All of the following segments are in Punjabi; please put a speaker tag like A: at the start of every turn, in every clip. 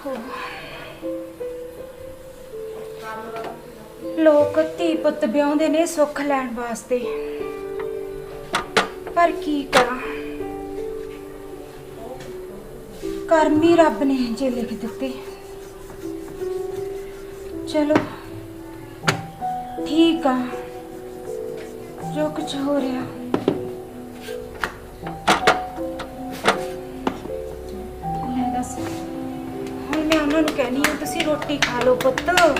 A: ਲੋਕ ਧੀ ਪੁੱਤ ਵਿਆਹੁੰਦੇ ਨੇ ਸੁੱਖ ਲੈਣ ਵਾਸਤੇ, ਪਰ ਕੀ ਕਰਾਂ, ਕਰਮ ਹੀ ਰੱਬ ਨੇ ਜੇ ਲਿਖ ਦਿੱਤੇ। ਚਲੋ ਠੀਕ ਆ, ਜੋ ਕੁਝ ਹੋ ਰਿਹਾ। ਲੈ ਦੱਸ, ਹੁਣ ਮੈਂ ਉਹਨਾਂ ਨੂੰ ਕਹਿਣੀ ਆ ਤੁਸੀਂ ਰੋਟੀ ਖਾ ਲਓ ਪੁੱਤ।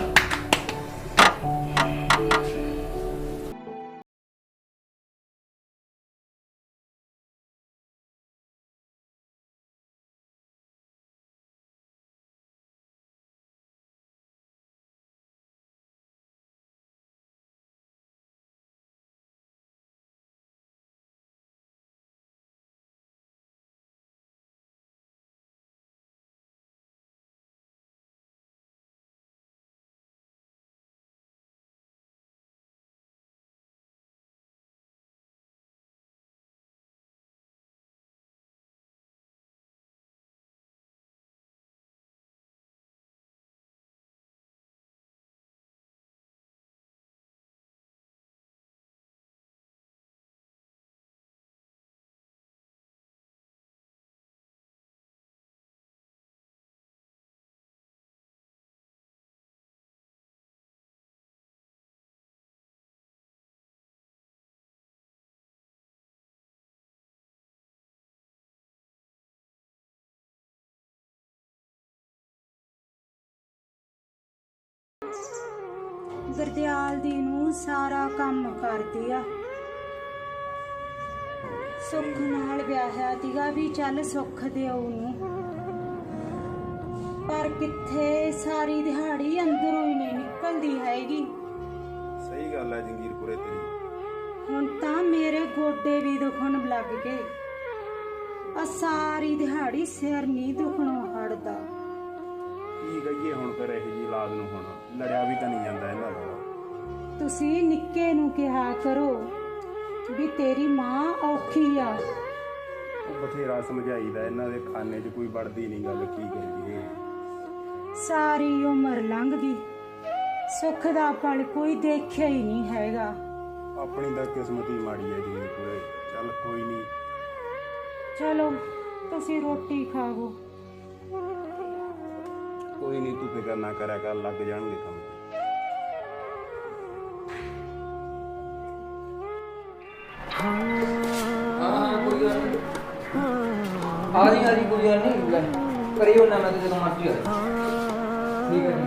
A: ਗੁਰਦਿਆਲ ਦੀ ਨੂੰ ਸਾਰਾ ਕੰਮ ਕਰਦੀ ਆ, ਸੁੱਖ ਨਾਲ ਵਿਆਹਿਆ ਤੀਗਾ ਵੀ ਚੱਲ ਸੁੱਖ ਦਿਓ ਨੂੰ, ਪਰ ਕਿੱਥੇ ਸਾਰੀ ਦਿਹਾੜੀ ਅੰਦਰੋਂ ਹੀ ਨਹੀਂ ਨਿਕਲਦੀ ਹੈਗੀ।
B: ਸਹੀ ਗੱਲ ਹੈ ਜੰਗੀਰਪੁਰੇ ਤੇਰੀ।
A: ਹੁਣ ਤਾਂ ਮੇਰੇ ਗੋਡੇ ਵੀ ਦੁਖਣ ਲੱਗ ਗਏ, ਆ ਸਾਰੀ ਦਿਹਾੜੀ ਸਿਰ ਨਹੀਂ ਦੁਖਣੋਂ ਹਟਦਾ।
B: ਕੀ ਕਹੀਏ ਹੁਣ ਫਿਰ ਇਹ ਜੀ ਔਲਾਦ ਨੂੰ, ਹੁਣ ਲੜਿਆ ਵੀ ਤਾਂ ਨਹੀਂ ਜਾਂਦਾ ਇਹਨਾਂ ਦਾ।
A: ਤੁਸੀਂ ਨਿੱਕੇ ਨੂੰ ਕਿਹਾ ਕਰੋ ਵੀ ਤੇਰੀ ਮਾਂ ਔਖੀ ਆ।
B: ਉਹ ਬਥੇਰਾ ਸਮਝਾਈਦਾ, ਇਹਨਾਂ ਦੇ ਖਾਨੇ 'ਚ ਕੋਈ ਵੜਦੀ ਨਹੀਂ ਗੱਲ, ਕੀ ਕਰੀਏ।
A: ਸਾਰੀ ਉਮਰ ਲੰਘ ਗਈ, ਸੁੱਖ ਦਾ ਪਲ ਕੋਈ ਦੇਖਿਆ ਹੀ ਨਹੀਂ ਹੈਗਾ।
B: ਆਪਣੀ ਤਾਂ ਕਿਸਮਤ ਹੀ ਮਾੜੀ ਹੈ ਜੰਗੀਰਪੁਰੇ। ਚੱਲ ਕੋਈ ਨਹੀਂ,
A: ਚਲੋ ਤੁਸੀਂ ਰੋਟੀ ਖਾਵੋ।
B: ਕੋਈ ਨਹੀਂ, ਤੂੰ ਫਿਕਰ ਨਾ ਕਰਿਆ ਕਰ, ਲੱਗ ਜਾਣਗੇ ਕੰਮ।
C: ਕੋਈ ਗੱਲ ਨਹੀਂ, ਆ ਰਹੀ ਕੋਈ ਗੱਲ ਨਹੀਂ, ਲੈ ਕਰਿਓ ਨਾ, ਮੈਂ ਤੇ ਜਦੋਂ ਮਰਜ਼ੀ ਆ ਜਾ। ਠੀਕ ਹੈ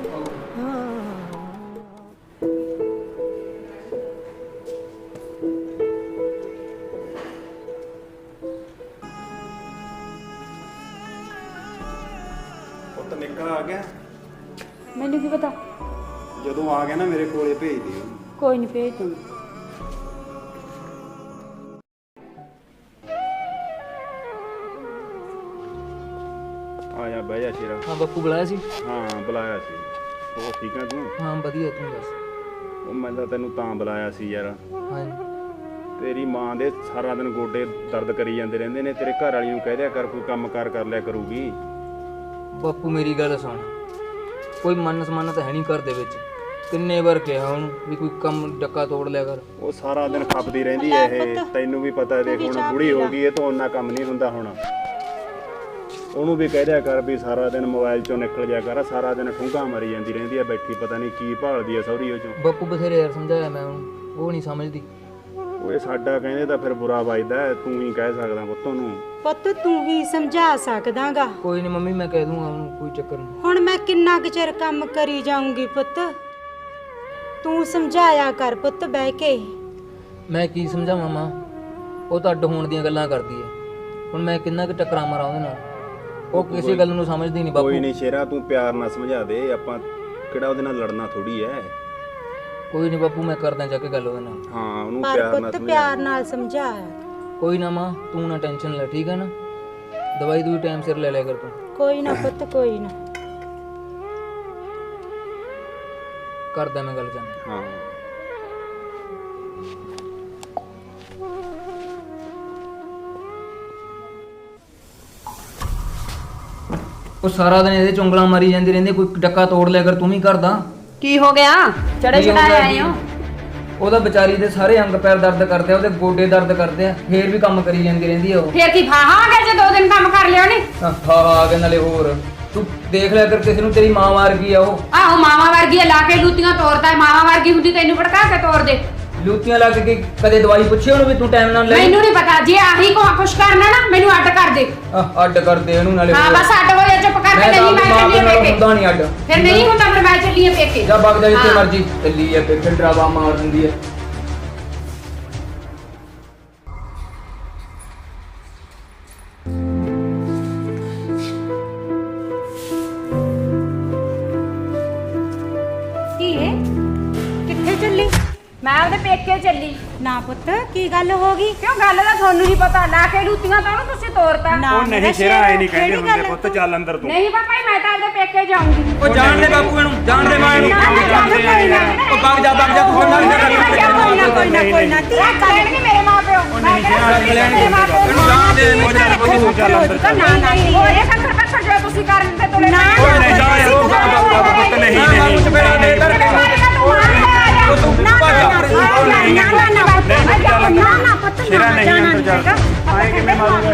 B: ਪੁੱਤ ਨਿਕਲ ਆ ਗਿਆ।
A: ਮੈਨੂੰ ਕੀ ਪਤਾ,
B: ਜਦੋਂ ਆ ਗਿਆ ਨਾ ਮੇਰੇ ਕੋਲੇ ਭੇਜ ਦਿਓ।
A: ਕੋਈ ਨਹੀਂ ਭੇਜ ਦੂੰ।
B: ਆਇਆ ਬਹਿ ਜਾ ਸ਼ੇਰਾ।
C: ਹਾਂ ਬਾਪੂ ਬੁਲਾਇਆ ਸੀ?
B: ਹਾਂ ਬੁਲਾਇਆ ਸੀ। ਉਹ ਠੀਕ ਆ ਤੂੰ?
C: ਹਾਂ ਵਧੀਆ, ਤੂੰ ਦੱਸ।
B: ਉਹ ਮੈਂ ਤਾਂ ਤੈਨੂੰ ਤਾਂ ਬੁਲਾਇਆ ਸੀ ਯਾਰ,
C: ਹਾਂ
B: ਤੇਰੀ ਮਾਂ ਦੇ ਸਾਰਾ ਦਿਨ ਗੋਡੇ ਦਰਦ ਕਰੀ ਜਾਂਦੇ ਰਹਿੰਦੇ ਨੇ, ਤੇਰੇ ਘਰ ਵਾਲੀ ਨੂੰ ਕਹਿ ਦਿਆ ਕਰ ਕੋਈ ਕੰਮ ਕਾਰ ਕਰ ਲਿਆ ਕਰੂਗੀ।
C: ਬਾਪੂ ਮੇਰੀ ਗੱਲ ਸੁਣ, ਕੋਈ ਮਨ ਸਮਾਨ ਤਾਂ ਹੈ ਨਹੀਂ ਘਰ ਦੇ ਵਿੱਚ। ਕਿੰਨੇ ਵਾਰ ਕਿਹਾ ਉਹਨੂੰ ਵੀ ਕੋਈ ਕੰਮ ਡੱਕਾ ਤੋੜ ਲਿਆ ਕਰ।
B: ਉਹ ਸਾਰਾ ਦਿਨ ਖੱਪਦੀ ਰਹਿੰਦੀ ਐ ਇਹ, ਤੈਨੂੰ ਵੀ ਪਤਾ। ਦੇਖ ਹੁਣ ਬੁੜੀ ਹੋ ਗਈ, ਇਹ ਤੋਂ ਉਹਨਾਂ ਕੰਮ ਨਹੀਂ ਹੁੰਦਾ ਹੁਣ। ਉਹਨੂੰ ਵੀ ਕਹਿ ਦਿਆ ਕਰ ਵੀ ਸਾਰਾ ਦਿਨ ਮੋਬਾਈਲ ਚੋਂ ਨਿਕਲ ਜਾ ਕਰ, ਸਾਰਾ ਦਿਨ ਠੁੰਗਾ ਮਾਰੀ ਜਾਂਦੀ ਰਹਿੰਦੀ ਐ ਬੈਠੀ, ਪਤਾ ਨਹੀਂ ਕੀ ਭਾਲਦੀ ਐ ਸਹੁਰੀ ਉਹ ਚੋਂ।
C: ਬਾਪੂ ਬਥੇਰੇ ਯਾਰ ਸਮਝਾਇਆ ਮੈਂ ਉਹਨੂੰ, ਉਹ ਨਹੀਂ ਸਮਝਦੀ।
B: ਓਏ ਸਾਡਾ ਕਹਿੰਦੇ ਤਾਂ ਫਿਰ ਬੁਰਾ ਵੱਜਦਾ, ਤੂੰ ਹੀ ਕਹਿ ਸਕਦਾ ਪੁੱਤ ਨੂੰ।
A: ਪੁੱਤ ਤੂੰ ਹੀ ਸਮਝਾ ਸਕਦਾਗਾ।
C: ਕੋਈ ਨਹੀਂ ਮੰਮੀ, ਮੈਂ ਕਹਿ ਦੂੰਗਾ ਉਹਨੂੰ, ਕੋਈ ਚੱਕਰ ਨਹੀਂ।
A: ਹੁਣ ਮੈਂ ਕਿੰਨਾ ਕੁ ਚਿਰ ਕੰਮ ਕਰੀ ਜਾਊਂਗੀ ਪੁੱਤ, ਤੂੰ ਸਮਝਾਇਆ ਕਰ ਪੁੱਤ ਬਹਿ ਕੇ।
C: ਮੈਂ ਕੀ ਸਮਝਾਵਾਂ ਮਾਂ, ਉਹ ਤਾਂ ਅੱਡ ਹੋਣ ਦੀਆਂ ਗੱਲਾਂ ਕਰਦੀ ਹੈ। ਹੁਣ ਮੈਂ ਕਿੰਨਾ ਕੁ ਟੱਕਰਾਂ ਮਾਰਾਂ ਉਹਦੇ ਨਾਲ, ਉਹ ਕਿਸੇ ਗੱਲ ਨੂੰ ਸਮਝਦੀ ਨਹੀਂ ਬਾਪੂ।
B: ਕੋਈ ਨਹੀਂ ਸ਼ੇਰਾ, ਤੂੰ ਪਿਆਰ ਨਾਲ ਸਮਝਾ ਦੇ, ਆਪਾਂ ਕਿਹੜਾ ਉਹਦੇ ਨਾਲ ਲੜਨਾ ਥੋੜੀ ਐ।
C: ਕੋਈ ਨਹੀਂ ਬਾਪੂ, ਮੈਂ ਕਰਦਾ ਜਾ ਕੇ ਗੱਲ ਉਹਦੇ ਨਾਲ।
B: ਹਾਂ ਉਹਨੂੰ
A: ਪਰ
B: ਪਿਆਰ ਨਾਲ
A: ਪੁੱਤ
B: ਸਮਝਾ।
A: ਪਿਆਰ ਨਾਲ ਸਮਝਾਇਆ।
C: ਕੋਈ ਨਾ ਮਾਂ, ਤੂੰ ਨਾ ਟੈਨਸ਼ਨ ਲੈ, ਠੀਕ ਹੈ ਨਾ। ਦਵਾਈ ਦੂਈ ਟਾਈਮ ਸਿਰ ਲੈ ਲਿਆ ਕਰ ਤੂੰ।
A: ਕੋਈ ਨਾ ਪੁੱਤ, ਕੋਈ ਨਾ।
C: ਕਰਦਾ ਮੈਂ ਗੱਲ ਜਾਨ।
B: ਹਾਂ
C: ਉਹ ਸਾਰਾ ਦਿਨ ਇਹਦੇ ਚੁੰਗਲਾਂ ਮਾਰੀ ਜਾਂਦੀ ਰਹਿੰਦੀ, ਕੋਈ ਡੱਕਾ ਤੋੜ ਲਿਆ ਕਰ ਤੂੰ ਵੀ ਕਰਦਾ।
D: ਕੀ ਹੋ ਗਿਆ? ਚੜੇ
C: ਕੀ ਹੋ
D: ਚੜਾਏ
C: ਗਿਆ
D: ਆਏ ਹੋ?
C: ਉਹਦਾ ਵਿਚਾਰੀ ਦੇ ਸਾਰੇ ਅੰਗ ਪੈਰ ਦਰਦ ਕਰਦੇ ਆ, ਉਹਦੇ ਗੋਡੇ ਦਰਦ ਕਰਦੇ ਆ, ਫੇਰ ਵੀ ਕੰਮ ਕਰੀ ਜਾਂਦੀ ਰਹਿੰਦੀ ਆ ਉਹ।
D: ਫੇਰ ਕੀ ਫਾਹਾ ਆ ਗਿਆ ਜੇ 2 ਦਿਨ ਕੰਮ ਕਰ ਲਿਆ ਨੇ?
C: ਹਾਂ ਆ ਕੇ ਨਾਲੇ ਹੋਰ ਤੂੰ ਦੇਖ ਲਿਆ ਕਰ, ਕਿਸੇ ਨੂੰ ਤੇਰੀ ਮਾਂ ਮਾਰ ਗਈ ਆ ਉਹ।
D: ਆਹੋ ਮਾਵਾ ਵਰਗੀ ਆ, ਲਾ ਕੇ ਲੂਤੀਆਂ ਤੋੜਦਾ, ਮਾਵਾ ਵਰਗੀ ਹੁੰਦੀ ਤੈਨੂੰ ਭੜਕਾ ਕੇ ਤੋੜ ਦੇ।
C: ਲੂਤੀਆਂ ਲੱਗ ਕੇ ਕਦੇ ਦਵਾਈ ਪੁੱਛੀ ਉਹਨੂੰ ਵੀ ਤੂੰ ਟਾਈਮ ਨਾਲ ਲੈ?
D: ਮੈਨੂੰ ਨਹੀਂ ਪਤਾ, ਜੇ ਆਹੀ ਕੁਛ ਕਰਨਾ ਨਾ ਮੈਨੂੰ ਅੱਡ ਕਰ ਦੇ।
C: ਅੱਡ ਕਰ ਦੇ ਇਹਨੂੰ ਨਾਲੇ।
D: ਹਾਂ ਬਸ ਅੱਡ ਹੋ ਜਾ, ਚੁੱਪ ਕਰਕੇ
C: ਮੈਂ ਤਾਂ
D: ਨਹੀਂ, ਮੈਂ
C: ਮਾਂ
D: ਚੱਲੀ
C: ਨਾਲ
D: ਪੇਕੇ।
C: ਹੁੰਦਾ ਨਹੀਂ ਅੱਡ।
D: ਫਿਰ ਨਹੀਂ ਹੁੰਦਾ, ਫਿਰ ਮੈਂ ਚੱਲੀ ਆ ਪੇਕੇ।
C: ਜਾ ਵਗ ਜਾ ਜਿੱਥੇ
D: ਹਾਂ।
C: ਮਰਜੀ ਚੱਲੀ ਆ, ਫਿਰ ਡਰਾਵਾ ਮਾਰ ਦਿੰਦੀ ਆ।
A: ਕੀ ਹੈ? ਕਿੱਥੇ ਚੱਲੀ?
D: ਮੈਂ ਉਹਦੇ ਪੇਕੇ ਚੱਲੀ।
A: ਨਾ ਪੁੱਤ ਕੀ ਗੱਲ ਹੋ ਗਈ?
D: ਕਿਉਂ ਗੱਲ ਦਾ ਤੁਹਾਨੂੰ ਨਹੀਂ ਪਤਾ, ਲਾ ਕੇ ਲੂਤੀਆਂ ਤਾਂ ਉਹਨੂੰ ਤੁਸੀਂ ਤੋੜਤਾ।
A: ਨਾ
B: ਉਹ ਨਹੀਂ ਸ਼ੇਰਾ ਐ ਨਹੀਂ ਕਹਿੰਦੇ ਹੁੰਦੇ ਪੁੱਤ, ਚੱਲ ਅੰਦਰ ਤੂੰ।
D: ਨਹੀਂ ਪਾਪਾ ਜੀ, ਮੈਂ ਤਾਂ ਉਹਦੇ ਪੇਕੇ ਜਾਊਂਗੀ।
C: ਉਹ ਜਾਣ ਦੇ ਬਾਪੂ ਇਹਨੂੰ, ਜਾਣ ਦੇ ਮਾਂ ਇਹਨੂੰ। ਉਹ ਵਗ ਜਾ ਤੂੰ ਹੁਣ
A: ਕੋਈ ਨਾ
D: ਰੱਖ ਲੈਣਗੇ ਮੇਰੇ ਮਾਂ ਪਿਓ। ਮੈਂ ਕਿਹੜਾ ਮੇਰੇ ਮਾਂ ਪਿਓ
C: ਇਹਨੂੰ ਜਾਣ ਦੇ, ਇਹਨੂੰ
B: ਚੱਲ ਅੰਦਰ ਚੱਲ।
D: ਨਾ ਨਹੀਂ ਹੋਏ ਕੰਕਰ ਪੱਥਰ ਜੋ ਤੁਸੀਂ ਕਰਨ ਤੇ ਤੁਲੇ
A: ਨਾ,
B: ਓਏ ਨਹੀਂ ਜਾ ਯਾਰ, ਤੂੰ ਪੁੱਤ ਨਹੀਂ ਨਹੀਂ
C: ਉਹ ਤੂੰ ਭੱਜ ਜਾ।
B: ਸ਼ੇਰਾ ਨਹੀਂ ਅੰਦਰ ਜਾ। ਆਏ ਕਿਵੇਂ ਮਾਰੂਗਾ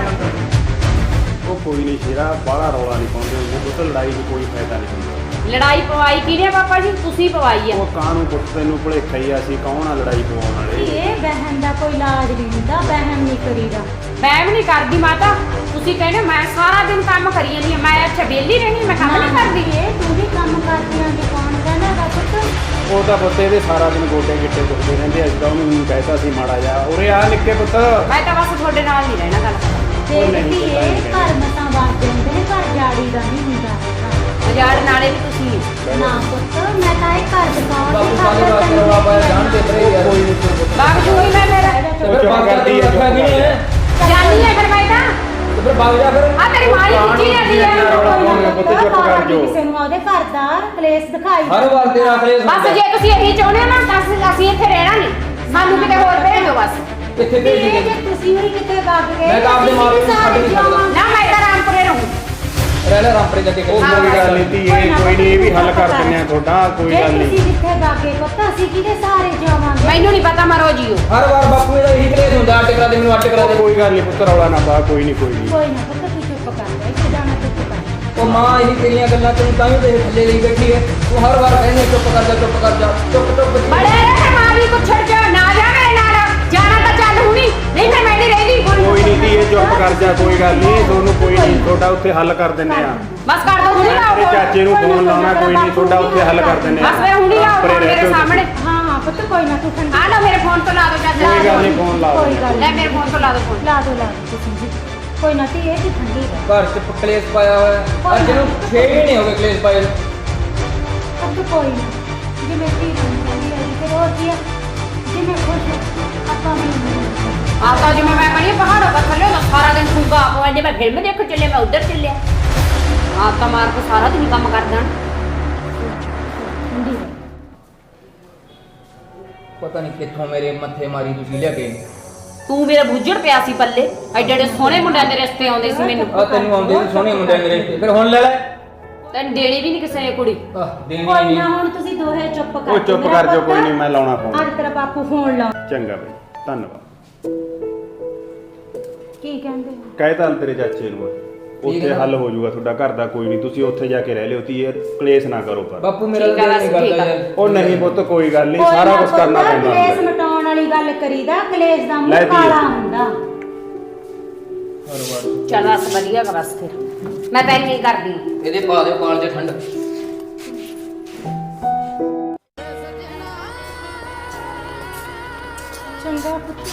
B: ਇਹ? ਉਹ ਕੋਈ ਨਹੀਂ ਸ਼ੇਰਾ, ਬਾਹਲਾ ਰੌਲਾ ਨਹੀਂ ਪਾਉਂਦੇ ਹੁੰਦੇ ਪੁੱਤ, ਲੜਾਈ 'ਚ ਕੋਈ ਫਾਇਦਾ ਨਹੀਂ ਹੁੰਦਾ।
D: ਲੜਾਈ ਪਵਾਈ ਕਿਹਨੇ ਪਾਪਾ ਜੀ? ਤੁਸੀਂ ਪਵਾਈ ਆ।
B: ਉਹ ਕਾਹਨੂੰ ਪੁੱਤ ਤੈਨੂੰ ਭੁਲੇਖਾ ਹੀ ਆ, ਅਸੀਂ ਕੌਣ ਆ ਲੜਾਈ ਪਵਾਉਣ ਵਾਲੇ?
A: ਇਹ ਬਹਿਨ ਦਾ ਕੋਈ ਇਲਾਜ ਨਹੀਂ ਹੁੰਦਾ, ਬਹਿਨ ਨਹੀਂ ਕਰੀਦਾ।
D: ਮੈਂ ਵੀ ਨਹੀਂ ਕਰਦੀ ਮਾਤਾ, ਤੁਸੀਂ ਕਹਿੰਦੇ ਮੈਂ ਸਾਰਾ ਦਿਨ ਕੰਮ ਕਰੀ ਜਾਂਦੀ ਆ, ਮੈਂ ਅੱਛਾ ਵਿਹਲੀ ਰਹਿਣੀ, ਮੈਂ ਕੰਮ ਨਹੀਂ ਕਰਦੀ।
A: ਤੂੰ ਵੀ ਕੰਮ ਕਰਦੀ ਆਂ ਕਿ ਕੌਣ ਕਹਿੰਦਾ ਗਾ ਪੁੱਤ?
B: ਉਹ ਤਾਂ ਪੁੱਤ ਇਹਦੇ ਸਾਰਾ ਦਿਨ ਗੋਡੇ ਗਿੱਟੇ ਦੁਖਦੇ ਰਹਿੰਦੇ, ਅੱਜ ਤਾਂ ਉਹਨੂੰ ਕਹਿਤਾ ਸੀ ਮਾੜਾ ਜਾ ਉਰੇ ਆ ਨਿੱਕੇ ਪੁੱਤ।
D: ਮੈਂ ਤਾਂ ਬਸ ਤੁਹਾਡੇ ਨਾਲ ਨਹੀਂ ਰਹਿਣਾ ਗੱਲ।
A: ਦੇਖਦੀ ਏ ਘਰ ਮਤਾਂ ਵਾਸਤੇ ਹੁੰਦੇ ਨੇ, ਘਰ ਜਾੜੀ ਦਾ ਨਹੀਂ ਹੁੰਦਾ।
D: ਮਜਾੜ ਨਾਲੇ ਵੀ ਤੁਸੀਂ
A: ਨਾ ਪੁੱਤ, ਮੈਂ ਤਾਂ ਇਹ ਘਰ ਦਿਖਾਉਣ
C: ਬਾਪੂ ਸਾਰੇ ਵਾਸਤੇ ਰੌਲਾ ਪਾਇਆ, ਜਾਣ ਦੇ ਪਰੇ ਯਾਰ।
B: ਕੋਈ ਨਹੀਂ ਤੂੰ ਪੁੱਤ।
D: ਬਾਗ ਜੂਈ ਮੈਂ ਮੇਰਾ
C: ਤੇ ਫਿਰ ਵਗ ਜਾ, ਤੈਨੂੰ ਰੱਖਿਆ ਕੀ ਨਹੀਂ ਹੈ?
D: ਜਾਨੀ ਹੈ ਫਿਰ ਮੈਂ ਤਾਂ।
C: ਤੇ ਫਿਰ ਵਗ ਜਾ ਫਿਰ।
D: ਆ ਤੇਰੀ ਮਾਂ ਹੀ ਖਿੱਚੀ ਜਾਂਦੀ ਹੈ।
B: ਪੁੱਤ ਚੁੱਪ ਕਰ ਜਾਓ।
A: ਕਿਸੇ ਨੂੰ ਉਹਦੇ ਘਰ ਦਾ ਕਲੇਸ਼ ਦਿਖਾਈ।
C: ਹਰ ਵਾਰ ਤੇ ਰੱਖ ਲੈ।
D: ਬਸ ਜੇ ਤੁਸੀਂ ਇਹੀ ਚਾਹੁੰਦੇ ਹੋ ਨਾ ਤਾਂ ਅਸੀਂ ਇੱਥੇ ਰਹਿਣਾ ਨਹੀਂ, ਸਾਨੂੰ ਕਿਤੇ ਹੋਰ ਭੇਜ ਦਿਓ ਬਸ।
C: ਕਿੱਥੇ ਭੇਜ
A: ਜੇ
C: ਦੇ?
A: ਤੁਸੀਂ ਵੀ ਕਿਤੇ ਵਗ ਗਏ
C: ਮੈਂ ਤਾਂ ਆਪਦੇ ਮਾਂ ਪਿਓ ਨੂੰ ਛੱਡ ਨਹੀਂ ਸਕਦਾ।
D: ਨਾ ਮੈਂ ਤਾਂ ਰਾਮਪੁਰੇ ਰਹੂੰ।
C: ਰਹਿ ਲੈ ਰਾਮਪੁਰੇ ਜਾ ਕੇ
B: ਉਹ ਕੋਈ ਗੱਲ ਨਹੀਂ ਧੀਏ, ਕੋਈ ਨਹੀਂ, ਇਹ ਵੀ ਹੱਲ ਕਰ ਦਿੰਦੇ ਆ ਤੁਹਾਡਾ, ਕੋਈ
A: ਜੇ
B: ਗੱਲ
A: ਤੁਸੀਂ
B: ਨਹੀਂ।
A: ਜਿੱਥੇ ਵਗ ਗਏ ਪੁੱਤ, ਅਸੀਂ ਕਿਹਦੇ ਸਹਾਰੇ ਜਾਵਾਂਗੇ?
D: ਮੈਨੂੰ ਨਹੀਂ ਪਤਾ, ਮਰੋ ਜੀਓ।
C: ਹਰ ਵਾਰ ਬਾਪੂ ਇਹਦਾ ਇਹੀ ਕਲੇਸ਼ ਹੁੰਦਾ, ਅੱਡ ਕਰਾ ਦੇ ਮੈਨੂੰ, ਅੱਡ ਕਰਾ ਦੇ।
B: ਕੋਈ ਗੱਲ ਨਹੀਂ ਪੁੱਤ, ਰੌਲਾ ਨਾ ਪਾ, ਕੋਈ ਨਹੀਂ ਕੋਈ ਨਹੀਂ।
A: ਕੋਈ ਨਾ ਪੁੱਤ, ਤੂੰ ਚੁੱਪ ਕਰ ਜਾ, ਇੱਥੇ ਜਾਣਾ ਚੁੱਪ ਕਰ।
C: ਉਹ ਮਾਂ ਇਹੀ ਤੇਰੀਆਂ ਗੱਲਾਂ ਤੈਨੂੰ ਤਾਂ ਹੀ ਤੇ ਥੱਲੇ ਲਈ ਬੈਠੀ ਹੈ। ਤੂੰ ਹਰ ਵਾਰ ਕਹਿੰਦੀ ਚੁੱਪ ਕਰ ਜਾ, ਚੁੱਪ ਕਰ ਜਾ, ਚੁੱਪ ਚੁੱਪ ਜੀ।
D: ਬੜੇ ਰਹੇ ਮਾਂ ਵੀ ਕੁਛੜ ਜਾ, ਨਾ ਜਾ ਮੇਰੇ ਨਾਲ, ਜਾਣਾ ਤਾਂ ਚੱਲ ਹੁਣੀ, ਨਹੀਂ ਫਿਰ ਮੈਂ ਨਹੀਂ ਰਹਿੰਦੀ।
B: ਕੋਈ ਨਹੀਂ ਧੀਏ, ਚੁੱਪ ਕਰ ਜਾ, ਕੋਈ ਗੱਲ ਨਹੀਂ, ਤੁਹਾਨੂੰ ਕੋਈ ਨਹੀਂ, ਤੁਹਾਡਾ ਉੱਥੇ ਹੱਲ ਕਰ ਦਿੰਦੇ ਆ।
D: ਬਸ ਕਰ ਦੋ ਹੁਣੀ ਲਾਓ
B: ਤੇਰੇ
D: ਫੋਨ।
B: ਚਾਚੇ ਨੂੰ ਫੋਨ ਲਾਉਣਾ, ਕੋਈ ਨਹੀਂ, ਤੁਹਾਡਾ ਉੱਥੇ ਹੱਲ ਕਰ ਦਿੰਦੇ ਆ।
D: ਬਸ ਫਿਰ ਹੁਣੀ ਲਾਓ
B: ਪਰੇ
D: ਫੋਨ
B: ਰਹਿ
D: ਮੇਰੇ
B: ਜਾਓ
D: ਸਾਹਮਣੇ।
A: ਹਾਂ ਹਾਂ ਪੁੱਤ, ਕੋਈ ਨਾ, ਤੂੰ ਠੰਡੀ
D: ਆ ਲਓ ਮੇਰੇ ਫੋਨ ਤੋਂ ਲਾ ਦਿਓ ਚਾਚਾ।
B: ਕੋਈ ਗੱਲ ਨਹੀਂ, ਫੋਨ ਲਾ
A: ਕੋਈ
B: ਦਿੰਦੇ ਆ।
A: ਗੱਲ
D: ਲੈ ਮੇਰੇ ਫੋਨ ਤੋਂ ਲਾ ਦਿਓ ਫੋਨ।
A: ਲਾ ਦੋ ਤੁਸੀਂ ਜੀ, ਕੋਈ ਨਾ ਧੀਏ ਜੀ, ਠੰਡੀ ਕਰ।
C: ਘਰ ਚ ਕਲੇਸ਼ ਪਾਇਆ ਹੋਇਆ ਹੈ। ਅੱਜ ਨੂੰ 6 ਮਹੀਨੇ ਹੋ ਗਏ ਕਲੇਸ਼ ਪਾਏ ਨੂੰ।
A: ਪੁੱਤ ਕੋਈ ਨਾ, ਜਿਵੇਂ ਧੀ ਹੁੰਦੀ ਹੈ ਫਿਰ ਹੋਰ ਕੀ ਹੈ, ਜਿਵੇਂ ਖੁਸ਼ ਆਪਾਂ ਵੀ
D: ਆ ਤਾਂ ਜਿਵੇਂ ਮੈਂ ਕਹਿੰਦੀ ਪਹਾੜੋਂ ਪਰ ਥੱਲੇ ਹੁੰਦਾ ਸਾਰਾ ਦਿਨ ਖੂਗਾ ਆਪੋ ਜੇ ਮੈਂ ਫਿਲਮ ਦੇਖਣ ਚੱਲੇ, ਮੈਂ ਉੱਧਰ ਚੱਲਿਆ। ਆ ਤਾਂ ਮਾਰ ਕੇ ਸਾਰਾ ਦਿਨ ਕੰਮ ਕਰਦਾ।
A: ਠੰਡੀ ਕਰ।
C: ਪਤਾ ਨਹੀਂ ਕਿੱਥੋਂ ਮੇਰੇ ਮੱਥੇ ਮਾਰੀ ਤੁਸੀਂ ਲਿਆ ਕੇ।
D: ਤੂੰ ਮੇਰਾ ਬੁੱਝੜ ਪਿਆ ਸੀ ਪੱਲੇ, ਐਡੇ ਐਡੇ ਸੋਹਣੇ ਮੁੰਡਿਆਂ ਦੇ ਰਿਸ਼ਤੇ ਆਉਂਦੇ ਸੀ ਮੈਨੂੰ।
C: ਆ ਤੈਨੂੰ ਆਉਂਦੇ ਨੇ ਸੋਹਣੇ ਮੁੰਡੇ ਮੇਰੇ ਤੇ, ਫਿਰ ਹੁਣ ਲੈ ਲੈ।
D: ਤੈਨੂੰ ਦੇਣੀ ਵੀ ਨਹੀਂ ਕਿਸੇ ਨੇ ਕੁੜੀ।
C: ਦੇਣੀ
A: ਕੋਈ
C: ਨਹੀਂ।
A: ਨਾ, ਹੁਣ ਤੁਸੀਂ ਦੋਹੇ ਚੁੱਪ ਕਰ
B: ਉਹ ਚੁੱਪ ਕਰ ਜਾਓ, ਕੋਈ ਨਹੀਂ, ਮੈਂ ਲਾਉਣਾ ਫੋਨ।
A: ਅੱਜ ਤੇਰਾ ਬਾਪੂ ਫੋਨ ਲਾ।
B: ਚੰਗਾ ਬਈ, ਧੰਨਵਾਦ।
A: ਕੀ ਕਹਿੰਦੇ?
B: ਕਹਿਤਾ ਤੇਰੇ ਚਾਚੇ ਨੂੰ, ਉੱਥੇ ਹੱਲ ਹੋ ਜਾਊਗਾ ਤੁਹਾਡਾ ਘਰ ਦਾ, ਕੋਈ ਨਹੀਂ, ਤੁਸੀਂ ਉੱਥੇ ਜਾ ਕੇ ਰਹਿ ਲਿਓ ਧੀਏ, ਕਲੇਸ਼ ਨਾ ਕਰੋ ਪਰ।
C: ਬਾਪੂ ਮੇਰਾ
D: ਠੀਕ ਆ,
C: ਦਿਲ ਨਹੀਂ
D: ਬਸ ਠੀਕ
C: ਕਰਦਾ
D: ਆ।
C: ਯਾਰ।
B: ਉਹ ਨਹੀਂ ਪੁੱਤ, ਕੋਈ ਗੱਲ ਨਹੀਂ,
A: ਕੋਈ
B: ਸਾਰਾ
A: ਨਾ
B: ਕੁਝ ਕਰਨਾ
A: ਪੁੱਤ,
B: ਪੈਂਦਾ
A: ਕਲੇਸ਼
B: ਹੁੰਦਾ।
A: ਮਿਟਾਉਣ ਵਾਲੀ ਗੱਲ ਕਰੀਦਾ, ਕਲੇਸ਼ ਦਾ
B: ਲੈ
A: ਮੂੰਹ
B: ਧੀਏ।
A: ਕਾਲਾ ਹੁੰਦਾ।
C: ਹਰ ਵਾਰ
D: ਚੱਲ ਬਸ ਵਧੀਆ ਗਾ ਬਸ ਫਿਰ ਮੈਂ ਤਾਂ ਨਹੀਂ ਕਰਦੀ।
C: ਇਹਦੇ ਪਾ ਦਿਓ ਕਾਲ ਚ ਠੰਡ।
A: ਚੰਗਾ ਪੁੱਤ।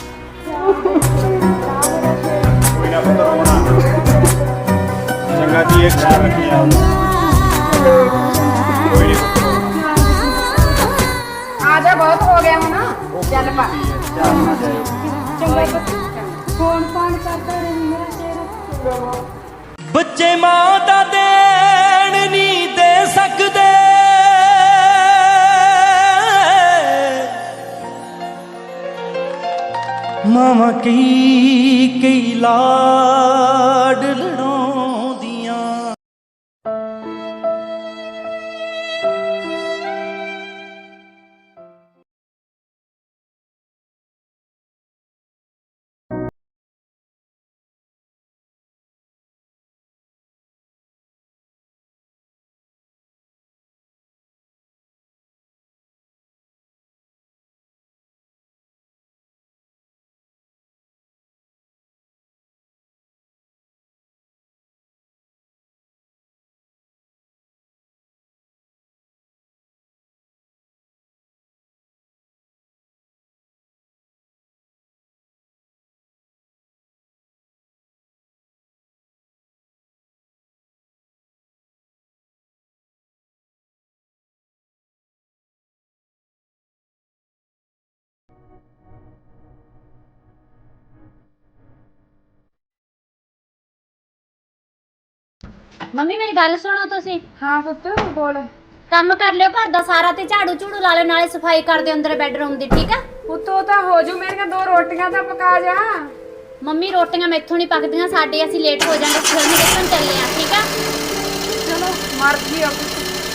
B: ਕੋਈ ਨਾ ਪੁੱਤ, ਰੋਣਾ ਨਾ। ਚੰਗਾ ਧੀਏ, ਖਿਆਲ ਰੱਖੀ ਆਪਦਾ। ਕੋਈ ਨਹੀਂ ਪੁੱਤ,
D: ਆ ਜਾ, ਬਹੁਤ ਹੋ ਗਿਆ ਹੁਣ, ਚੱਲ ਪਾ।
B: ਚਾਹ ਨਾ ਜਾਇਓ।
A: ਚੰਗਾ ਪੁੱਤ, ਫੋਨ ਫਾਨ ਕਰਦਾ ਰਹੀ ਮੇਰਾ ਚਿਹਰਾ।
E: ਬੱਚੇ ਮਾਂ ਦਾ ਦੇਣ ਨਹੀਂ ਦੇ ਸਕਦੇ, ਮਾਵਾਂ ਕਈ ਕਈ ਲਾਡ ਲੜਾਉਂਦੀਆਂ।
F: ਮੰਮੀ ਮੇਰੀ ਗੱਲ ਸੁਣੋ ਤੁਸੀਂ।
D: ਹਾਂ ਪੁੱਤ ਬੋਲ।
F: ਕੰਮ ਕਰ ਲਿਓ ਘਰ ਦਾ ਸਾਰਾ ਤੇ ਝਾੜੂ ਝੂੜੂ ਲਾ ਲਿਓ, ਨਾਲੇ ਸਫਾਈ ਕਰ ਦਿਓ ਅੰਦਰ ਬੈੱਡਰੂਮ ਦੀ, ਠੀਕ ਆ?
D: ਪੁੱਤ ਉਹ ਤਾਂ ਹੋ ਜੂ, ਮੇਰੀਆਂ 2 ਰੋਟੀਆਂ ਤਾਂ ਪਕਾ ਜਾ।
F: ਮੰਮੀ ਰੋਟੀਆਂ ਮੈਥੋਂ ਨਹੀਂ ਪੱਕਦੀਆਂ, ਸਾਡੇ ਅਸੀਂ ਲੇਟ ਹੋ ਜਾਾਂਗੇ, ਫਿਲਮ ਦੇਖਣ ਚੱਲੇ ਆ, ਠੀਕ ਆ?
D: ਚਲੋ ਮਰਜ਼ੀ ਆ ਪੁੱਤ।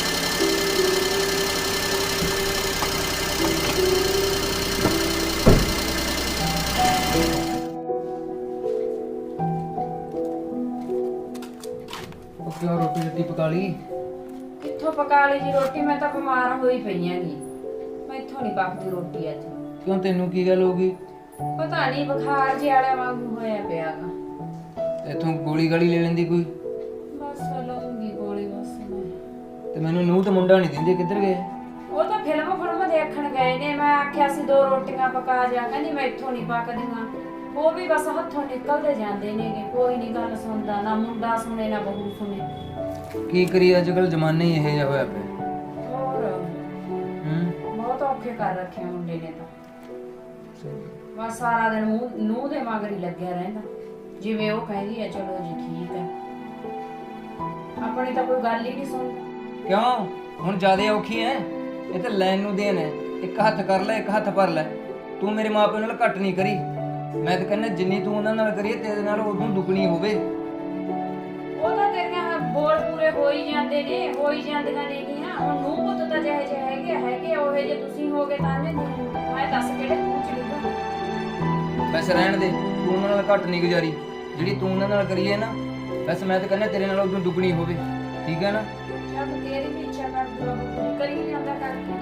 C: ਉਹ ਕਿਉਂ ਰੋਟੀ ਰੱਟੀ ਪਕਾ ਲਈ?
D: ਕਿੱਥੋਂ ਪਕਾ ਲਈ ਜੀ ਰੋਟੀ, ਮੈਂ ਤਾਂ ਬਿਮਾਰ ਹੋਈ ਪਈ ਆਂਗੀ, ਮੈਥੋਂ ਨਹੀਂ ਪੱਕਦੀ ਰੋਟੀ ਅੱਜ।
C: ਕਿਉਂ ਤੈਨੂੰ ਕੀ ਗੱਲ ਹੋ ਗਈ?
D: ਪਤਾ ਨਹੀਂ ਬੁਖਾਰ ਜਿਹਾ ਵਾਲਾ ਵਾਂਗੂ ਹੋਇਆ ਪਿਆਗਾ।
C: ਇੱਥੋਂ ਗੋਲੀ ਗਾਲੀ ਲੈ ਲੈਂਦੀ ਕੋਈ?
D: ਬਸ ਲਊਂਗੀ ਗੋਲੀ ਬਸ ਮੈਂ।
C: ਤੇ ਮੈਨੂੰ ਨੂੰਹ ਤੇ ਮੁੰਡਾ ਨਹੀਂ ਦਿੰਦੇ, ਕਿੱਧਰ ਗਏ?
D: ਉਹ ਤਾਂ ਫਿਲਮ ਦੇਖਣ ਗਏ ਨੇ, ਮੈਂ ਆਖਿਆ ਸੀ 2 ਰੋਟੀਆਂ ਪਕਾ ਜਾ, ਕਹਿੰਦੀ ਮੈਥੋਂ ਨਹੀਂ ਪੱਕਦੀਆਂ। ਉਹ ਵੀ ਬਸ ਹੱਥੋਂ ਨਿਕਲਦੇ ਜਾਂਦੇ ਨੇਗੇ, ਕੋਈ ਨਹੀਂ ਗੱਲ ਸੁਣਦਾ, ਨਾ ਮੁੰਡਾ ਸੁਣੇ ਨਾ ਬਹੂ ਸੁਣੇ।
C: ਕੀ ਕਰੀ ਅੱਜ ਕੱਲ ਜ਼ਮਾਨਾ ਹੀ ਇਹੋ ਜਿਹਾ ਹੋਇਆ ਪਿਆ।
D: ਹੋਰ
C: ਹੂੰ
D: ਬਹੁਤ ਔਖੇ ਕਰ ਰੱਖੇ ਮੁੰਡੇ ਨੇ ਤਾਂ। ਬਸ ਸਾਰਾ ਦਿਨ ਨੂੰਹ ਦੇ ਮਗਰ ਹੀ ਲੱਗਿਆ ਰਹਿੰਦਾ, ਜਿਵੇਂ ਉਹ ਕਹਿੰਦੀ ਹੈ ਚਲੋ ਜੀ ਠੀਕ ਹੈ, ਆਪਣੀ ਤਾਂ ਕੋਈ ਗੱਲ ਹੀ ਨਹੀਂ ਸੁਣਦਾ।
C: ਕਿਉਂ ਹੁਣ ਜ਼ਿਆਦਾ ਔਖੀ ਐ? ਇਹ ਤਾਂ ਲੈਣ ਨੂੰ ਦੇਣ ਹੈ, ਇੱਕ ਹੱਥ ਕਰ ਲੈ ਇੱਕ ਹੱਥ ਭਰ ਲੈ। ਤੂੰ ਮੇਰੇ ਮਾਪਿਆਂ ਨਾਲ ਘੱਟ ਨਹੀਂ ਕਰੀ, ਮੈਂ ਤਾਂ ਕਹਿੰਦਾ ਜਿੰਨੀ ਤੂੰ ਉਹਨਾਂ ਨਾਲ ਕਰੀ ਤੇਰੇ ਨਾਲ ਉਦੋਂ ਦੁੱਗਣੀ ਹੋਵੇ।
D: ਉਹ ਤਾਂ ਤੇਰੀਆਂ ਬੋਲ ਪੂਰੇ ਹੋ ਹੀ ਜਾਂਦੇ ਨੇ, ਹੋ ਹੀ ਜਾਂਦੀਆਂ ਨੇਗੀਆਂ। ਹੁਣ ਨੂੰਹ ਪੁੱਤ ਤਾਂ ਜਿਹੇ ਜਿਹੇ ਹੈਗੇ ਉਹੇ ਜੇ ਤੁਸੀਂ ਹੋਗੇ ਤਾਂ ਮੈਂ ਦੱਸ ਕਿਹੜੇ ਮੂੰਹ ਚ ਲਿਖਾਂ।
C: ਵੈਸੇ ਰਹਿਣ ਦੇ, ਤੂੰ ਉਹਨਾਂ ਨਾਲ ਘੱਟ ਨਹੀਂ ਗੁਜ਼ਾਰੀ, ਜਿਹੜੀ ਤੂੰ ਉਹਨਾਂ ਨਾਲ ਕਰੀ ਹੈ ਨਾ, ਵੈਸੇ ਮੈਂ ਤਾਂ ਕਹਿੰਦਾ ਤੇਰੇ ਨਾਲ ਉਦੋਂ ਦੁੱਗਣੀ ਹੋਵੇ, ਠੀਕ ਹੈ ਨਾ?
D: ਜਦ ਤੇਰੀ ਵੀ ਇੱਛਾ ਕਰ ਦੂੰ ਕਰੀ ਨਹੀਂ ਜਾਂਦਾ ਕਰਕੇ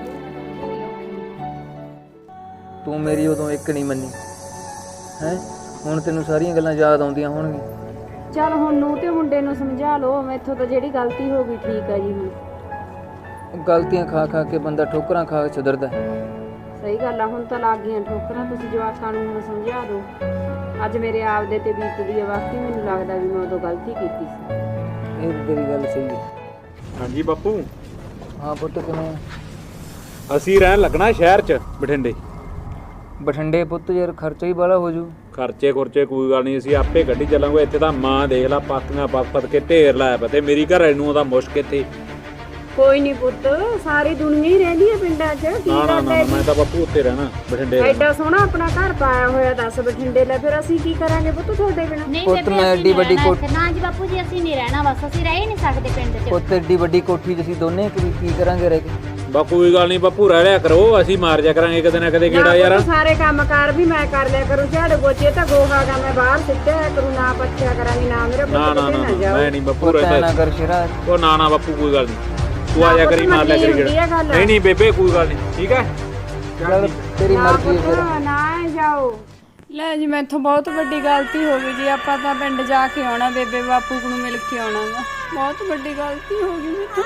C: ਤੂੰ ਮੇਰੀ ਉਦੋਂ ਇੱਕ ਨਹੀਂ ਮੰਨੀ ਹੈ, ਹੁਣ ਤੈਨੂੰ ਸਾਰੀਆਂ ਗੱਲਾਂ ਯਾਦ ਆਉਂਦੀਆਂ ਹੋਣਗੀਆਂ।
D: ਚੱਲ ਹੁਣ ਨੂੰ ਤੇ ਮੁੰਡੇ ਨੂੰ ਸਮਝਾ ਲਓ, ਮੈਥੋਂ ਤਾਂ ਜਿਹੜੀ ਗਲਤੀ ਹੋ ਗਈ ਠੀਕ ਆ ਜੀ। ਹੁਣ
C: ਗਲਤੀਆਂ ਖਾ ਖਾ ਕੇ ਬੰਦਾ ਠੋਕਰਾਂ ਖਾ ਕੇ ਸੁਧਰਦਾ।
D: ਸਹੀ ਗੱਲ ਆ, ਹੁਣ ਤਾਂ ਲੱਗ ਗਈਆਂ ਠੋਕਰਾਂ, ਤੁਸੀਂ ਜਵਾਕਾਂ ਨੂੰ ਹੁਣ ਸਮਝਾ ਦਿਓ। ਅੱਜ ਮੇਰੇ ਆਪਦੇ ਤੇ ਬੀਤਦੀ ਆ, ਵਾਕਈ ਮੈਨੂੰ ਲੱਗਦਾ ਵੀ ਮੈਂ ਉਦੋਂ ਗਲਤੀ ਕੀਤੀ ਸੀ।
C: ਇਹ ਤੇਰੀ ਗੱਲ ਸਹੀ ਹੈ।
B: ਹਾਂਜੀ ਬਾਪੂ,
C: ਹਾਂ ਪੁੱਤ ਕਿਵੇਂ?
B: ਅਸੀਂ ਰਹਿਣ ਲੱਗਣਾ ਸ਼ਹਿਰ 'ਚ ਬਠਿੰਡੇ।
C: ਬਠਿੰਡੇ ਪੁੱਤ ਯਾਰ ਖਰਚਾ ਹੀ ਬਾਹਲਾ ਹੋ ਜੂ।
B: ਖਰਚੇ ਖੁਰਚੇ ਕੋਈ ਗੱਲ ਨਹੀਂ, ਅਸੀਂ ਆਪੇ ਗੱਡੀ ਚੱਲਾਂਗੇ। ਇੱਥੇ ਤਾਂ ਮਾਂ ਦੇਖ ਲਾ ਪਾਤੀਆਂ ਪੱਤ ਕੇ ਢੇਰ ਲਾਇਆ ਪਿਆ, ਤੇ ਮੇਰੀ ਘਰ ਨੂੰ ਉਹਦਾ ਮੁਸ਼ਕ ਇੱਥੇ।
D: ਕੋਈ ਨਹੀਂ ਪੁੱਤ, ਸਾਰੀ ਦੁਨੀਆ ਹੀ ਰਹਿੰਦੀ ਹੈ ਪਿੰਡਾਂ 'ਚ, ਕੀ
B: ਨਾ ਨਾ
D: ਗੱਲ
B: ਨਾ
D: ਹੈ?
B: ਮੈਂ ਤਾਂ ਬਾਪੂ ਉੱਤੇ ਰਹਿਣਾ ਬਠਿੰਡੇ।
D: ਐਡਾ ਸੋਹਣਾ ਆਪਣਾ ਘਰ ਪਾਇਆ ਹੋਇਆ, ਦੱਸ ਬਠਿੰਡੇ ਲੈ, ਫਿਰ ਅਸੀਂ ਕੀ ਕਰਾਂਗੇ ਪੁੱਤ ਤੁਹਾਡੇ ਬਿਨਾਂ?
F: ਨਹੀਂ
C: ਪੁੱਤ
F: ਬੇਬੇ,
C: ਮੈਂ
F: ਅਸੀਂ
C: ਐਡੀ
F: ਨਹੀਂ
C: ਵੱਡੀ
F: ਰਹਿਣਾ
C: ਕੋਠੀ-
F: ਇੱਥੇ। ਨਾ ਜੀ ਬਾਪੂ ਜੀ, ਅਸੀਂ ਨਹੀਂ ਰਹਿਣਾ, ਬਸ ਅਸੀਂ ਰਹਿ ਹੀ ਨਹੀਂ ਸਕਦੇ ਪਿੰਡ 'ਚ।
C: ਪੁੱਤ ਏਡੀ ਵੱਡੀ ਕੋਠੀ 'ਚ ਅਸੀਂ ਦੋਨੇ ਕੀ ਕਰਾਂਗੇ ਰਹਿ ਕੇ?
B: ਬਾ ਕੋਈ ਗੱਲ ਨਹੀਂ ਬਾਪੂ, ਰਹਿ ਲਿਆ ਕਰੋ, ਅਸੀਂ ਮਾਰ ਜਾ ਕਰਾਂਗੇ ਕਦੇ ਨਾ ਕਦੇ ਗੇੜਾ ਯਾਰ।
D: ਸਾਰੇ ਕੰਮਕਾਰ ਵੀ ਮੈਂ ਕਰ ਲਿਆ ਕਰੂ, ਝਾੜੂ ਪੋਚੇ ਤਾਂ ਗੋਹਾਗਾ ਮੈਂ ਬਾਹਰ ਸਿੱਟਿਆ ਕਰੂ, ਨਾ ਪੱਛਿਆ ਕਰਾਂਗੀ, ਨਾ ਮੇਰੇ
B: ਨਾ
D: ਪੁੱਤ
B: ਨਾ
D: ਕਿਤੇ
B: ਨਾ
D: ਨਾ ਜਾਓ।
B: ਮੈਂ ਨਹੀਂ ਬਾਪੂ
C: ਪੁੱਤ ਐਂ
B: ਰਹਿੰਦਾ।
C: ਨਾ ਕਰ ਸ਼ੇਰਾ।
B: ਉਹ ਨਾ ਨਾ ਬਾਪੂ ਕੋਈ ਗੱਲ ਨਹੀਂ, ਤੂੰ ਆ ਜਾ ਕਰੀ, ਮਾਰ ਲਿਆ ਕਰੀ ਗੇੜਾ। ਨਹੀਂ ਨਹੀਂ ਬੇਬੇ ਕੋਈ ਗੱਲ ਨਹੀਂ, ਠੀਕ ਹੈ?
C: ਚੱਲ ਤੇਰੀ ਮਰਜ਼ੀ ਹੈ ਫਿਰ।
D: ਨਾ ਜਾਓ। ਲੈ ਜੀ ਮੈਥੋਂ ਬਹੁਤ ਵੱਡੀ ਗਲਤੀ ਹੋ ਗਈ ਜੀ, ਆਪਾਂ ਤਾਂ ਪਿੰਡ ਜਾ ਕੇ ਆਉਣਾ, ਬੇਬੇ ਬਾਪੂ ਨੂੰ ਮਿਲ ਕੇ ਆਉਣਾ ਵਾ, ਬਹੁਤ ਵੱਡੀ ਗਲਤੀ ਹੋ ਗਈ ਮੈਥੋਂ।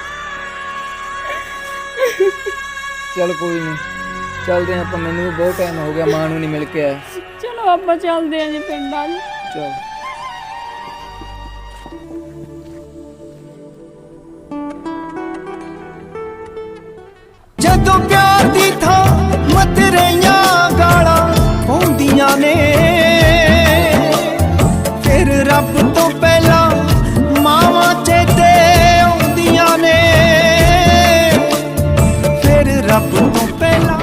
C: ਚੱਲ ਕੋਈ ਨਹੀਂ, ਚੱਲਦੇ ਹਾਂ ਆਪਾਂ, ਮੈਨੂੰ ਵੀ ਬਹੁਤ ਟਾਈਮ ਹੋ ਗਿਆ ਮਾਂ ਨੂੰ ਨਹੀਂ ਮਿਲ ਕੇ ਆਇਆ।
D: ਚਲੋ ਆਪਾਂ ਚੱਲਦੇ ਆਂ ਜੀ ਪਿੰਡਾਂ 'ਚ।
C: ਚੱਲ
E: ਜਦੋਂ ਪਿਆਰ ਦੀ ਥਾਂ ਮਤਰੇਆਂ ਗਾਲਾਂ ਪਾਉਂਦੀਆਂ ਨੇ, ਫਿਰ ਰੱਬ ਤੋਂ ਪਹਿਲਾਂ ਮਾਵਾਂ ਚੇਤੇ ਆਉਂਦੀਆਂ ਨੇ, ਫਿਰ ਰੱਬ ਤੋਂ ਪਹਿਲਾਂ।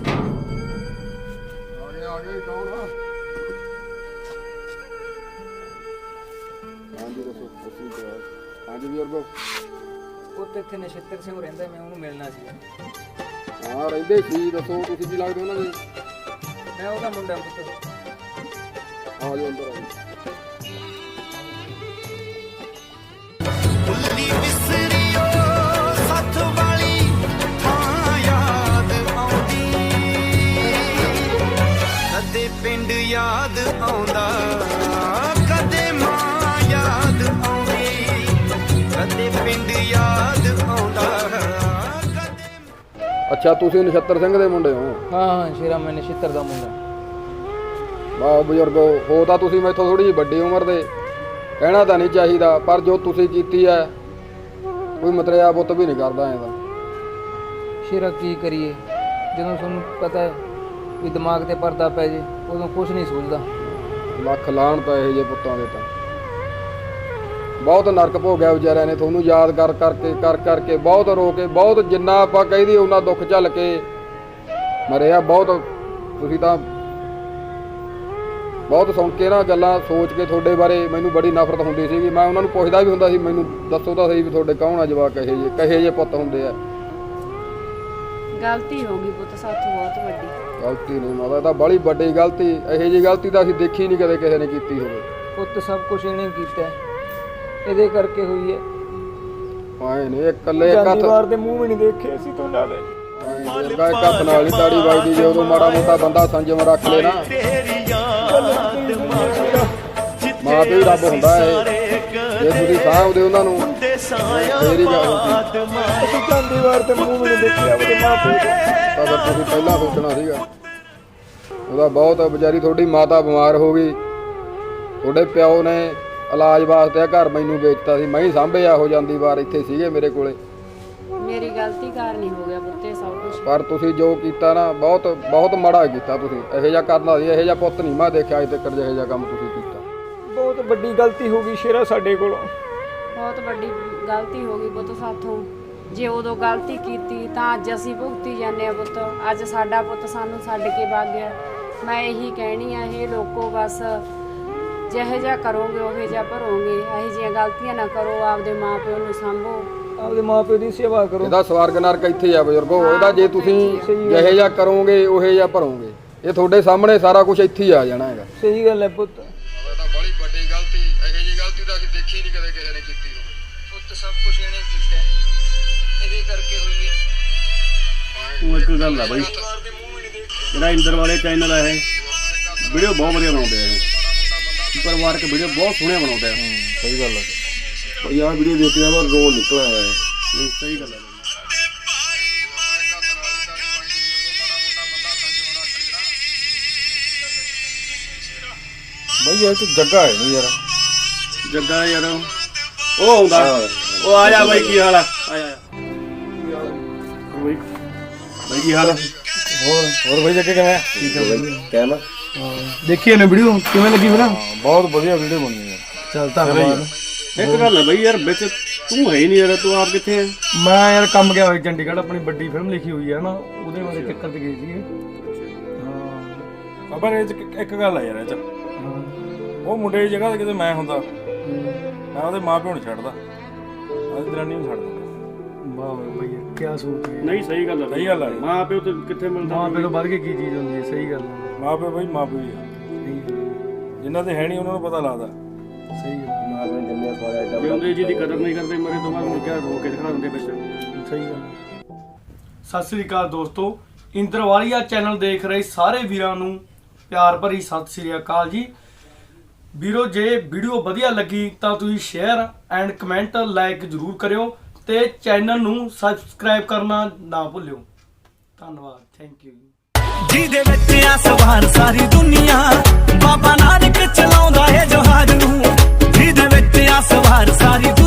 C: ਪੁੱਤ ਇੱਥੇ ਨਛੱਤਰ ਸਿੰਘ ਰਹਿੰਦਾ, ਮੈਂ ਉਹਨੂੰ ਮਿਲਣਾ ਸੀ।
G: ਹਾਂ ਰਹਿੰਦੇ ਸੀ, ਦੱਸੋ ਤੁਸੀਂ ਕੀ ਲੱਗਦੇ ਉਹਨਾਂ ਦੇ?
C: ਮੈਂ ਉਹਦਾ ਮੁੰਡਾ ਪੁੱਤ।
G: ਆ ਜਾਓ ਅੰਦਰ ਆ ਜਾਓ।
E: ਭੁੱਲੀ ਵਿਸਰੀਓ ਸੱਥ ਵਾਲੀ ਥਾਂ ਯਾਦ ਆਉਂਦੀ, ਕਦੇ ਪਿੰਡ ਯਾਦ ਆਉਂਦਾ, ਕਦੇ ਮਾਂ ਯਾਦ ਆਉਂਦੀ, ਕਦੇ ਪਿੰਡ ਯਾਦ ਆਉਂਦਾ, ਕਦੇ।
G: ਅੱਛਾ ਤੁਸੀਂ ਨਛੱਤਰ ਸਿੰਘ ਦੇ ਮੁੰਡੇ ਹੋ?
C: ਹਾਂ ਹਾਂ ਸ਼ੇਰਾ, ਮੈਂ ਨਛੱਤਰ ਦਾ ਮੁੰਡਾ।
G: ਵਾਹ ਬਜ਼ੁਰਗੋ, ਹੋ ਤਾਂ ਤੁਸੀਂ ਮੈਥੋਂ ਥੋੜੀ ਜਿਹੀ ਵੱਡੀ ਉਮਰ ਦੇ, ਕਹਿਣਾ ਤਾਂ ਨਹੀਂ ਚਾਹੀਦਾ, ਪਰ ਜੋ ਤੁਸੀਂ ਕੀਤੀ ਹੈ ਕੋਈ ਮਤਰਿਆ ਪੁੱਤ ਵੀ ਨਹੀਂ ਕਰਦਾ ਐਂ ਤਾਂ।
C: ਸ਼ੇਰਾ ਕੀ ਕਰੀਏ, ਜਦੋਂ ਤੁਹਾਨੂੰ ਪਤਾ ਹੈ ਵੀ ਦਿਮਾਗ ਤੇ ਪਰਦਾ ਪੈ ਜੇ ਉਦੋਂ ਕੁਝ ਨਹੀਂ ਸੋਚਦਾ।
G: ਲੱਖ ਲਾਹਣ ਤਾਂ ਇਹੋ ਜਿਹੇ ਪੁੱਤਾਂ ਦੇ ਤਾਂ। ਬਹੁਤ ਨਰਕ ਭੋਗਿਆ ਵਿਚਾਰਿਆਂ ਨੇ, ਤੁਹਾਨੂੰ ਯਾਦ ਕਰ ਕਰਕੇ ਬਹੁਤ ਰੋ ਕੇ, ਬਹੁਤ ਜਿੰਨਾ ਆਪਾਂ ਕਹਿੰਦੀ ਉਹਨਾਂ ਦੁੱਖ ਝੱਲ ਕੇ ਮਰੇ ਆ। ਬਹੁਤ ਤੁਸੀਂ ਤਾਂ ਬਹੁਤ ਸੁਣ ਕੇ ਨਾ ਗੱਲਾਂ ਸੋਚ ਕੇ ਤੁਹਾਡੇ ਬਾਰੇ ਮੈਨੂੰ ਬੜੀ ਨਫ਼ਰਤ ਹੁੰਦੀ ਸੀਗੀ। ਮੈਂ ਉਹਨਾਂ ਨੂੰ ਪੁੱਛਦਾ ਵੀ ਹੁੰਦਾ ਸੀ, ਮੈਨੂੰ ਦੱਸੋ ਤਾਂ ਸਹੀ ਵੀ ਤੁਹਾਡੇ ਕੌਣ ਆ ਜਵਾਕ ਕਹੇ ਜੇ ਪੁੱਤ ਹੁੰਦੇ ਆ।
D: ਗਲਤੀ ਹੋ ਗਈ ਪੁੱਤ ਸਾਥੋਂ ਬਹੁਤ ਵੱਡੀ।
G: ਗਲਤੀ ਨਹੀਂ ਮਾਤਾ, ਤਾਂ ਬੜੀ ਵੱਡੀ ਗਲਤੀ, ਇਹੋ ਜਿਹੀ ਗਲਤੀ ਤਾਂ ਅਸੀਂ ਦੇਖੀ ਨਹੀਂ ਕਦੇ ਕਿਸੇ ਨੇ ਕੀਤੀ ਹੋਵੇ।
C: ਪੁੱਤ ਸਭ ਕੁਝ ਇਹਨੇ ਕੀਤਾ ਹੈ, ਇਹਦੇ ਕਰਕੇ ਹੋਈ ਹੈ।
G: ਆਏ ਨੇ ਇਕੱਲੇ ਇੱਕ ਹੱਥ
C: ਦੇ ਮੂੰਹ ਵੀ ਨਹੀਂ ਦੇਖੇ ਅਸੀਂ ਤੁਹਾਡਾ ਦੇ।
G: ਇੱਕ ਹੱਥ ਨਾਲ ਹੀ ਤਾੜੀ ਵੱਜਦੀ, ਜੇ ਉਦੋਂ ਮਾੜਾ ਮੋਟਾ ਬੰਦਾ ਸੰਜਮ ਰੱਖ ਲੈ ਨਾ। ਮਾਂ ਪਿਓ ਹੀ ਰੱਬ ਹੁੰਦਾ ਹੈ, ਜੇ ਤੁਸੀਂ ਸਾਂਭਦੇ ਉਹਨਾਂ ਨੂੰ ਫੇਰ ਹੀ ਗੱਲ ਹੁੰਦੀ।
C: ਅਸੀਂ ਜਾਂਦੀ ਵਾਰ ਤੇ ਮੂੰਹ ਵੀ ਨਹੀਂ ਦੇਖਿਆ ਉਹਦੇ ਮਾਂ ਪਿਓ
G: ਤਾਂ ਫਿਰ ਤੁਸੀਂ ਪਹਿਲਾਂ ਸੋਚਣਾ ਸੀਗਾ। ਉਹਦਾ ਬਹੁਤ ਵਿਚਾਰੀ ਤੁਹਾਡੀ ਮਾਤਾ ਬਿਮਾਰ ਹੋ ਗਈ, ਤੁਹਾਡੇ ਪਿਓ ਨੇ ਇਲਾਜ ਵਾਸਤੇ ਘਰ ਮੈਨੂੰ ਵੇਚਤਾ ਸੀ, ਮੈਂ ਹੀ ਸਾਂਭਿਆ। ਹੋ ਜਾਂਦੀ ਵਾਰ ਇੱਥੇ ਸੀਗੇ ਮੇਰੇ ਕੋਲੇ।
D: ਮੇਰੀ ਗਲਤੀ ਕਾਰਨ ਹੀ ਹੋ ਗਿਆ ਪੁੱਤੇ ਸਭ ਕੁਝ।
G: ਪਰ ਤੁਸੀਂ ਜੋ ਕੀਤਾ ਨਾ ਬਹੁਤ ਬਹੁਤ ਮਾੜਾ ਕੀਤਾ ਤੁਸੀਂ। ਇਹੋ ਜਿਹਾ ਕਰਨਾ ਸੀ, ਇਹੋ ਜਿਹਾ ਪੁੱਤ ਨਹੀਂ ਮੈਂ ਦੇਖਿਆ ਅੱਜ ਤੱਕ ਜਿਹੋ ਜਿਹਾ ਕੰਮ ਤੁਸੀਂ ਕੀਤਾ।
C: ਬਹੁਤ ਵੱਡੀ ਗਲਤੀ ਹੋ ਗਈ ਸ਼ੇਰਾ ਸਾਡੇ ਕੋਲੋਂ।
D: ਬਹੁਤ ਵੱਡੀ ਗਲਤੀ ਹੋ ਗਈ ਪੁੱਤ ਸਾਥੋਂ। ਜੇ ਉਦੋਂ ਗਲਤੀ ਕੀਤੀ ਤਾਂ ਅੱਜ ਅਸੀਂ ਭੁਗਤੀ ਜਾਂਦੇ ਆ ਪੁੱਤ। ਅੱਜ ਸਾਡਾ ਪੁੱਤ ਸਾਨੂੰ ਛੱਡ ਕੇ ਵਗ ਗਿਆ। ਮੈਂ ਇਹੀ ਕਹਿਣੀ ਆ, ਇਹ ਲੋਕੋ ਬਸ ਜਿਹੋ ਜਿਹਾ ਕਰੋਗੇ ਉਹੋ ਜਿਹਾ ਭਰੋਗੇ। ਇਹੋ ਜਿਹੀਆਂ ਗਲਤੀਆਂ ਨਾ ਕਰੋ, ਆਪਦੇ ਮਾਂ ਪਿਓ ਨੂੰ ਸਾਂਭੋ,
C: ਆਪਦੇ ਮਾਂ ਪਿਓ ਦੀ ਸੇਵਾ ਕਰੋ।
G: ਇਹਦਾ ਸਵਰਗ ਨਰਕ ਇੱਥੇ ਆ ਬਜ਼ੁਰਗੋ। ਇਹਦਾ ਜੇ ਤੁਸੀਂ ਜਿਹੋ ਜਿਹਾ ਕਰੋਗੇ ਉਹੋ ਜਿਹਾ ਭਰੋਗੇ। ਇਹ ਤੁਹਾਡੇ ਸਾਹਮਣੇ ਸਾਰਾ ਕੁਝ ਇੱਥੇ ਹੀ ਆ ਜਾਣਾ ਹੈਗਾ।
C: ਸਹੀ ਗੱਲ ਹੈ ਪੁੱਤ।
G: ਤਾਂ ਬੜੀ ਵੱਡੀ ਗਲਤੀ, ਇਹੋ ਜਿਹੀ ਗਲਤੀ ਤਾਂ ਅਸੀਂ ਦੇਖੀ ਨਹੀਂ ਕਦੇ ਕਿਸੇ ਨੇ ਕੀਤੀ ਹੋਵੇ।
C: ਪੁੱਤ ਸਭ ਕੁਝ ਇਹਨੇ ਕੀਤਾ, ਇਹਦੇ ਕਰਕੇ ਹੋਈ ਹੈ।
B: ਉਹ ਇੱਕ ਗੱਲ ਆ ਬਾਈ, ਜਿਹੜਾ ਇੰਦਰ ਵਾਲੇ ਚੈਨਲ ਆ ਇਹ ਵੀਡੀਓ ਬਹੁਤ ਵਧੀਆ ਬਣਾਉਂਦੇ ਆ। ਇਹ ਪਰਿਵਾਰਕ ਵੀਡੀਓ ਬਹੁਤ ਸੋਹਣੀਆਂ ਬਣਾਉਂਦੇ ਆ।
G: ਸਹੀ ਗੱਲ ਹੈ
B: ਭਾਈ ਆਹ ਵੀਡੀਓ ਦੇਖ ਕੇ ਤਾਂ ਰੋਣ ਨਿਕਲ ਆਇਆ ਹੈ। ਨਹੀਂ ਸਹੀ ਗੱਲ ਹੈ।
G: ਬਈ ਇਹ ਤਾਂ ਜੱਗਾ ਹੈ ਨਹੀਂ ਯਾਰ।
B: ਜੱਗਾ ਯਾਰ ਉਹ ਆਉਂਦਾ, ਉਹ ਆ ਜਾ ਬਾਈ, ਕੀ ਹਾਲ ਆ? ਆ ਜਾ ਬਾਈ, ਬਾਈ ਕੀ ਹਾਲ ਆ?
G: ਹੋਰ ਬਈ ਜੱਗੇ ਕਿਵੇਂ? ਠੀਕ ਹੈ ਬਈ। ਕਹਿਣਾ
C: ਦੇਖੀ ਇਹਨੇ ਵੀਡੀਓ ਕਿਵੇਂ ਲੱਗੀ ਫਿਰ?
G: ਬਹੁਤ ਵਧੀਆ ਵੀਡੀਓ ਬਣੀ ਹੈ।
C: ਚੱਲ ਧੰਨਵਾਦ।
B: ਇੱਕ ਗੱਲ ਹੈ ਬਾਈ ਯਾਰ, ਵਿੱਚ ਤੂੰ ਹੈ ਹੀ ਨਹੀਂ ਯਾਰ, ਤੂੰ ਆਪ ਕਿੱਥੇ ਹੈ?
C: ਮੈਂ ਯਾਰ ਕੰਮ ਗਿਆ ਹੋਇਆ ਚੰਡੀਗੜ੍ਹ, ਆਪਣੀ ਵੱਡੀ ਫਿਲਮ ਲਿਖੀ ਹੋਈ ਹੈ ਨਾ, ਉਹਦੇ ਬਾਰੇ ਚੱਕਰ ਤੇ ਗਏ ਸੀਗੇ। ਹਾਂ
H: ਬਾਬਾ ਇਹ ਇੱਕ ਗੱਲ ਆ ਯਾਰ, ਇਹ ਚ ਉਹ ਮੁੰਡੇ ਦੀ ਜਗ੍ਹਾ ਤੇ ਕਿਤੇ ਮੈਂ ਹੁੰਦਾ, ਮੈਂ ਉਹਦੇ ਮਾਂ ਪਿਓ ਨੂੰ ਛੱਡਦਾ, ਉਹਦੀ ਦਰਾਨੀ ਨੂੰ ਛੱਡ ਦਿੰਦਾ।
C: ਵਾਹ ਬਈ ਕੀ ਸੋਚ ਹੈ।
B: ਨਹੀਂ ਸਹੀ ਗੱਲ ਹੈ,
H: ਸਹੀ ਗੱਲ ਆ।
B: ਮਾਂ ਪਿਓ ਤੇ ਕਿੱਥੇ ਮਿਲਦਾ?
C: ਮਾਂ ਪਿਓ ਤੋਂ ਵੱਧ ਕੇ ਕੀ ਚੀਜ਼ ਹੁੰਦੀ ਹੈ। ਸਹੀ ਗੱਲ ਹੈ।
H: ਮਾਂ ਪਿਓ ਬਈ ਮਾਂ ਪਿਓ ਹੀ ਆ, ਜਿਨ੍ਹਾਂ ਦੇ ਹੈ ਨਹੀਂ ਉਹਨਾਂ ਨੂੰ ਪਤਾ ਲੱਗਦਾ।
C: ਸਹੀ ਗੱਲ
B: ਜਿਉਂਦੇ ਜੀ ਦੀ ਕਦਰ ਨਹੀਂ ਕਰਦੇ, ਮਰੇ ਤੋਂ ਬਾਅਦ ਮੁੜ ਕੇ ਰੋ ਕੇ ਦਿਖਾ ਦਿੰਦੇ ਵਿੱਚ।
C: ਸਹੀ ਗੱਲ। ਸਤਿ ਸ੍ਰੀ ਅਕਾਲ ਦੋਸਤੋ, ਇੰਦਰਵਾਲੀਆ ਚੈਨਲ ਦੇਖ ਰਹੇ ਸਾਰੇ ਵੀਰਾਂ ਨੂੰ ਪਿਆਰ ਭਰੀ ਸਤਿ ਸ੍ਰੀ ਅਕਾਲ ਜੀ। ਵੀਰੋ ਜੇ ਵੀਡੀਓ ਵਧੀਆ ਲੱਗੀ ਤਾਂ ਤੁਸੀਂ ਸ਼ੇਅਰ ਐਂਡ ਕਮੈਂਟ ਲਾਈਕ ਜ਼ਰੂਰ ਕਰਿਓ ਤੇ ਚੈਨਲ ਨੂੰ ਸਬਸਕ੍ਰਾਈਬ ਕਰਨਾ ਨਾ ਭੁੱਲਿਓ। ਧੰਨਵਾਦ, ਥੈਂਕ ਯੂ।
E: ਜਿਹਦੇ ਵਿੱਚ ਆ ਸਵਾਰ ਸਾਰੀ ਦੁਨੀਆ, ਬਾਬਾ ਨਾਨਕ ਚਲਾਉਂਦਾ ਏ ਜਹਾਜ਼ ਨੂੰ। ਜਿਹਦੇ ਵਿੱਚ ਆ ਸਵਾਰ ਸਾਰੀ